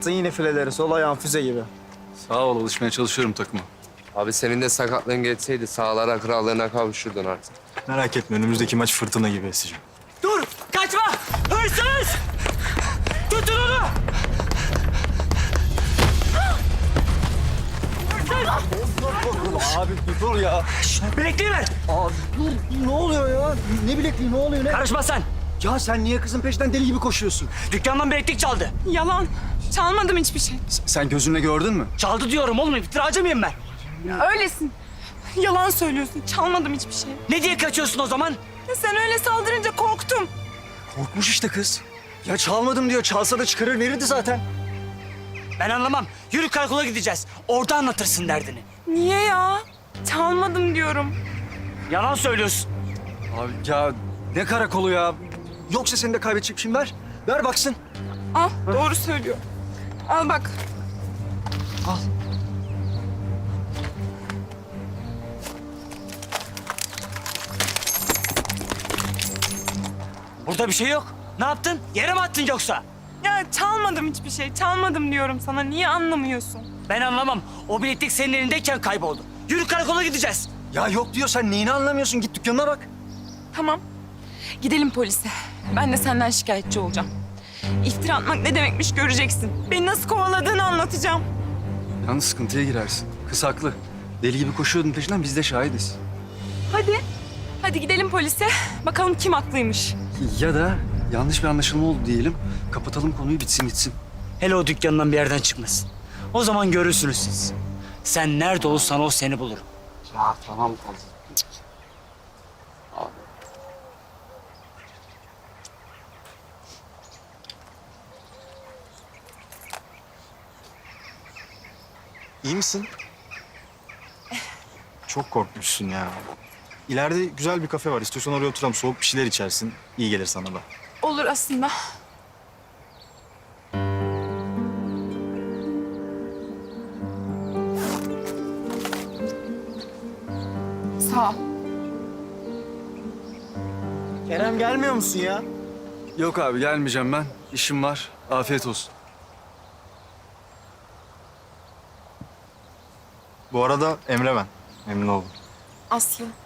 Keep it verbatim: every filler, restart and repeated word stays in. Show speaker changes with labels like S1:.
S1: yine fileleri sol ayağın füze gibi.
S2: Sağ ol, alışmaya çalışıyorum takıma.
S3: Abi senin de sakatlığın geçseydi sağlara krallığına kavuşurdun artık.
S4: Merak etme önümüzdeki maç fırtına gibi eseceğim.
S5: Dur! Kaçma! Hırsız! Tutun onu!
S1: Abi bir dur ya.
S5: Bilekliği ver!
S1: Abi dur ne oluyor ya? Ne bilekliği ne oluyor ne?
S5: Karışma sen!
S1: Ya sen niye kızın peşinden deli gibi koşuyorsun?
S5: Dükkandan bileklik çaldı.
S6: Yalan. Çalmadım hiçbir şey.
S1: Sen gözünle gördün mü?
S5: Çaldı diyorum oğlum, iftiracı mıyım ben?
S6: Öylesin. Yalan söylüyorsun. Çalmadım hiçbir şey.
S5: Ne diye kaçıyorsun o zaman?
S6: Ya sen öyle saldırınca korktum.
S1: Korkmuş işte kız. Ya çalmadım diyor. Çalsa da çıkarır verirdi zaten.
S5: Ben anlamam. Yürü karakola gideceğiz. Orada anlatırsın derdini.
S6: Niye ya? Çalmadım diyorum.
S5: Yalan söylüyorsun.
S1: Abi ya ne karakolu ya? Yoksa seni de kaybedecek şimdi ver. Ver baksın.
S6: Al, doğru söylüyor. Al bak.
S1: Al.
S5: Burada bir şey yok. Ne yaptın? Yere mi attın yoksa?
S6: Ya çalmadım hiçbir şey. Çalmadım diyorum sana. Niye anlamıyorsun?
S5: Ben anlamam. O bileklik senin elindeyken kayboldu. Yürü karakola gideceğiz.
S1: Ya yok diyor sen neyini anlamıyorsun? Git dükkanına bak.
S6: Tamam. Gidelim polise. Ben de senden şikayetçi olacağım. İftira atmak ne demekmiş göreceksin. Beni nasıl kovaladığını anlatacağım.
S2: Yalnız sıkıntıya girersin. Kız haklı. Deli gibi koşuyordun peşinden, biz de şahidiz.
S6: Hadi. Hadi gidelim polise. Bakalım kim haklıymış.
S2: Ya da yanlış bir anlaşılma oldu diyelim. Kapatalım konuyu, bitsin gitsin.
S5: Hele o dükkandan bir yerden çıkmasın. O zaman görürsünüz siz. Sen nerede olsan o seni bulur.
S2: Ya tamam.
S4: İyi misin? Çok korkmuşsun ya. İleride güzel bir kafe var. İstiyorsan oraya oturalım. Soğuk bir şeyler içersin. İyi gelir sana da.
S6: Olur aslında. Sağ ol.
S1: Kerem gelmiyor musun ya?
S2: Yok abi, gelmeyeceğim ben. İşim var. Afiyet olsun.
S4: Bu arada Emre ben. Memnun oldum.
S6: Aslı.